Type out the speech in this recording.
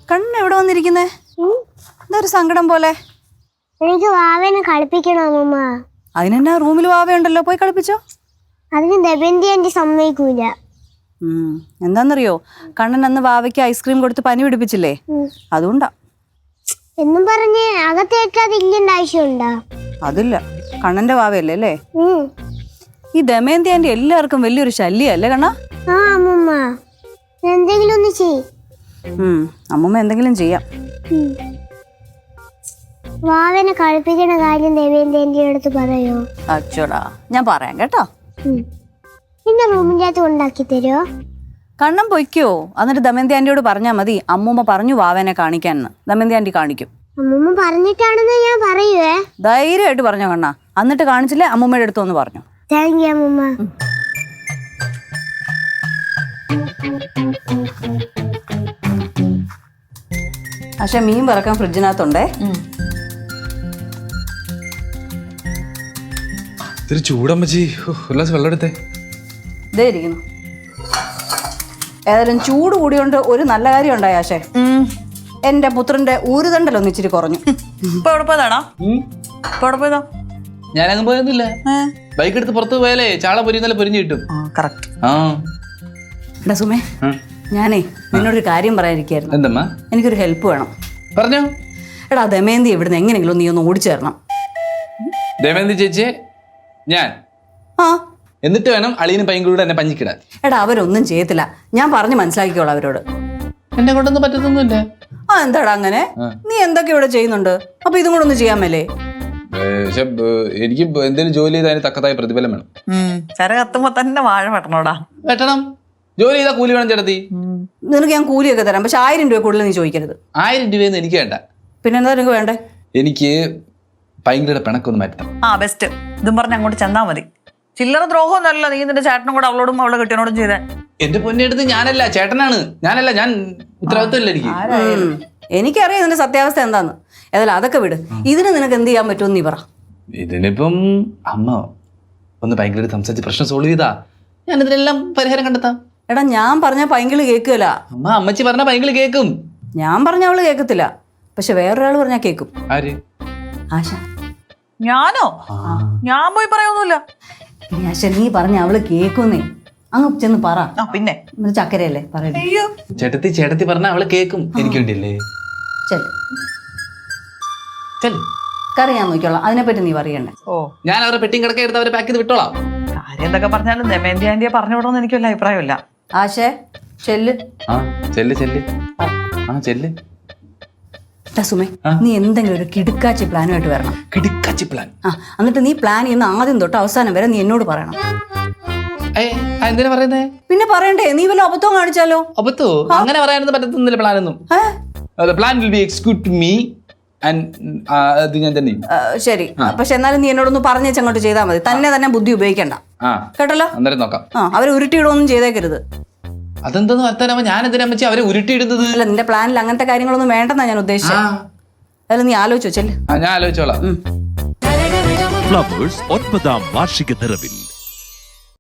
കണ്ണ് എവിടെ വന്നിരിക്കുന്നേ? എന്തൊരു സങ്കടം പോലെ. എനിക്ക് വാവേനെ കളിപ്പിക്കണോ അമ്മ? അതിനെന്നാ റൂമിൽ വാവയുണ്ടല്ലോ, പോയി കളിപ്പിച്ചോ. അതിന് ദമയന്തി ആന്റി സമ്മതിക്കൂല. എന്താന്നറിയോ, കണ്ണൻ അന്ന് വാവയ്ക്ക് ഐസ്ക്രീം കൊടുത്ത് പനി പിടിപ്പിച്ചില്ലേ, അതുകൊണ്ടാ. എന്നും പറഞ്ഞ് അകത്തേക്കാതെ ഇരിക്കേണ്ട ആവശ്യമുണ്ടോ? അതില്ല, കണ്ണന്റെ വാവയല്ലേ അല്ലേ. ഈ ദമയന്തി ആന്റി എല്ലാവർക്കും വലിയൊരു ശല്യല്ലേ കണ്ണ? ആ അമ്മമ്മ, എന്തെങ്കിലും ഒന്ന് ചെയ്. അമ്മമ്മ എന്തെങ്കിലും ചെയ്യാം. വാവനെ കളിപ്പിക്കണ കാര്യം ദമയന്തി ആന്റിയുടെ അടുത്ത് പറയോ? അച്ചോടാ, ഞാൻ പറയാം കേട്ടോ. എന്നെ റൂമിൻ്റെ അകത്ത് ഉണ്ടാക്കി തരുമോ? കണ്ണൻ പൊയ്ക്കോ, എന്നിട്ട് ദമയന്തി ആന്റിയോട് പറഞ്ഞാൽ മതി അമ്മൂമ്മ പറഞ്ഞു വാവനെ കാണിക്കാന്ന്. ദമയന്തി ആന്റി കാണിക്കും. അമ്മൂമ്മ പറഞ്ഞിട്ടാണെന്ന് ഞാൻ പറയുവേ. ധൈര്യമായിട്ട് പറഞ്ഞോ കണ്ണ. എന്നിട്ട് കാണിച്ചില്ലേ അമ്മൂമ്മയുടെ അടുത്തൊന്ന് പറഞ്ഞു. താങ്ക് യു അമ്മൂമ്മ. പക്ഷെ മീൻ വറക്കാൻ ഫ്രിഡ്ജിനകത്തുണ്ടേ. ഇത്തിരി ചൂടമ്മച്ചി, ഒരു ഗ്ലാസ് വെള്ളം എടുത്തേ. ഇതേ ഇരിക്കുന്നു. ഏതായാലും ചൂട് കൂടിയോണ്ട് ഒരു നല്ല കാര്യം ഉണ്ടായി ആശേ. എന്റെ പുത്രന്റെ ഊരുതണ്ടലൊന്ന് ഇച്ചിരി കുറഞ്ഞു. ഇപ്പൊ എവിടെ പോയതാണോ? ഇപ്പൊ എവിടെ പോയതാ? ഞാനങ്ങ് പോയൊന്നുമില്ല. ബൈക്ക് എടുത്ത് പുറത്ത് പോയാലേ ചാള പൊരിയുന്നല്ലേ പൊരിഞ്ഞു കിട്ടും. കറക്റ്റ്. എടാ സുമേ, ഞാനേ നിന്നോടൊരു കാര്യം പറയാനിരിക്കായിരുന്നു. എന്തമ്മ? എനിക്കൊരു ഹെൽപ്പ് വേണം. പറഞ്ഞോ. എടാ ദമയന്തി ഇവിടുന്ന് എങ്ങനെയെങ്കിലും നീ ഒന്ന് ഓടിച്ചു തരണം. ദമയന്തി ചേച്ചിയെ ഞാൻ എന്നിട്ട് വേണം അളിയനും പൈങ്കൂടെ എന്നെ പഞ്ഞിക്കിടാൻ. എടാ അവരൊന്നും ചെയ്യത്തില്ല, ഞാൻ പറഞ്ഞ് മനസ്സിലാക്കിക്കോളാം അവരോട്. എന്നെ കൊണ്ടൊന്നും പറ്റത്തൊന്നുമില്ല. എന്താടാ അങ്ങനെ? നീ എന്തൊക്കെ ഇവിടെ ചെയ്യുന്നുണ്ട്, അപ്പൊ ഇതും കൂടെ ഒന്ന് ചെയ്യാൻ മേലേ? പക്ഷെ എനിക്ക് എന്തെങ്കിലും ജോലി ചെയ്ത് അതിന് തക്കതായ പ്രതിഫലം വേണം. ചര കത്തുമ്പോ തന്നെ വാഴ വെട്ടണോടാ. വെട്ടണം. ജോലി ചെയ്താൽ കൂലി വേണം ചേട്ടത്തി. നിനക്ക് ഞാൻ കൂലിയൊക്കെ തരാം, പക്ഷെ 1000 രൂപ കൂടുതൽ നീ ചോദിക്കരുത്. 1000 രൂപയൊന്നും എനിക്ക് വേണ്ട. പിന്നെ എന്താ നിനക്ക് വേണ്ടേ? എനിക്ക് പൈങ്കുടെ പിണക്കൊന്ന് മാറ്റണം. ബെസ്റ്റ്. ഇതും പറഞ്ഞ് അങ്ങോട്ട് ചെന്നാ മതി. ചില്ലറ ദ്രോഹമൊന്നുമല്ല നീ നിന്റെ ചേട്ടനും കൂടെ അവളോടും അവളെ കെട്ടിയനോടും ചെയ്തേ. എന്റെ പൊന്നെടുത്ത് ഞാനല്ല, ചേട്ടനാണ്. ഞാൻ ഉത്തരവാദിത്തമില്ല എനിക്ക്. എനിക്കറിയാം ഇതിന്റെ സത്യാവസ്ഥ എന്താന്ന്. ഏതായാലും അതൊക്കെ വിട്. ഇതിന് നിനക്ക് എന്ത് ചെയ്യാൻ പറ്റുമെന്ന് നീ പറ. ഇതിനിപ്പം അമ്മ ഒന്ന് ഭയങ്കര സംസാരിച്ച് പ്രശ്നം സോൾവ് ചെയ്താ ഞാൻ ഇതിനെല്ലാം പരിഹാരം കണ്ടെത്താം. എടാ ഞാൻ പറഞ്ഞ പൈങ്കിള് കേൾക്കുകയില്ല. അമ്മച്ചി പറഞ്ഞ പൈങ്കിള് കേൾക്കും. ഞാൻ പറഞ്ഞ അവള് കേൾക്കത്തില്ല, പക്ഷെ വേറൊരാൾ പറഞ്ഞാൽ കേൾക്കും. ആര്? ആശ. ഞാനോ? ഞാൻ പോയി പറയൊന്നുമില്ല. ആശ നീ പറഞ്ഞ അവള് കേൾക്കുന്നേ, അങ്ങ് ചെന്ന് പറ. പിന്നെ ചക്കരയല്ലേ പറയട്ടെ. ചേട്ടത്തി പറഞ്ഞ അവള് കേൾക്കും. എനിക്ക് വേണ്ടിയല്ലേ. കറി ഞാൻ നോക്കിയോളാം, അതിനെപ്പറ്റി നീ പറയണ്ടേ. ഞാൻ അവരെ പെട്ടിയും കിടക്ക എടുത്ത് അവരെ പാക്ക് ചെയ്ത് വിട്ടോളാം. കാര്യം എന്തൊക്കെ പറഞ്ഞാലും ദമയന്തി ആന്റിയെ പറഞ്ഞു വിടണമെന്ന് എനിക്ക് വല്ല അഭിപ്രായമില്ല. ആശേ ചെല്ല്. ചെല്ല്. സുമേ, നീ എന്തെങ്കിലും ഒരു കിടുക്കാച്ചി പ്ലാനുമായിട്ട് വരണം. കിടുക്കാച്ചി പ്ലാൻ? എന്നിട്ട് നീ പ്ലാൻ ചെയ്യുന്ന ആദ്യം തൊട്ട് അവസാനം വരെ നീ എന്നോട് പറയണം. എന്തിനാ പറയുന്നേ? പിന്നെ പറയണ്ടേ, നീ വല്ല അബദ്ധവും കാണിച്ചാലോ? അബദ്ധോ? അങ്ങനെ പറയാനൊന്നും പറ്റത്തൊന്നുമില്ല. പ്ലാനൊന്നും plan will be execute me and ഞാൻ തന്നെ. ശരി, പക്ഷെ എന്നാലും നീ എന്നോടൊന്ന് പറഞ്ഞേച്ച് അങ്ങോട്ട് ചെയ്താൽ മതി. തന്നെ ബുദ്ധി ഉപയോഗിക്കണ്ട കേട്ടല്ലോ. അന്നേരം നോക്കാം. അവരെ ഉരുട്ടിയിടൊന്നും ചെയ്തേക്കരുത്. അതെന്തെന്ന് വർത്താനമ്മ? ഞാൻ എന്തിനാ വെച്ചാൽ അവരെ ഉരുട്ടിയിടുന്നത്? അല്ല, നിന്റെ പ്ലാനിൽ അങ്ങനത്തെ കാര്യങ്ങളൊന്നും വേണ്ടെന്നാ ഞാൻ ഉദ്ദേശിച്ചത്. അതായത് നീ ആലോചിച്ചോ. ചെല്ല്. ഞാൻ ആലോചിച്ചോളാം. ഫ്ലവേഴ്സ് 9ാം വാർഷിക നിറവിൽ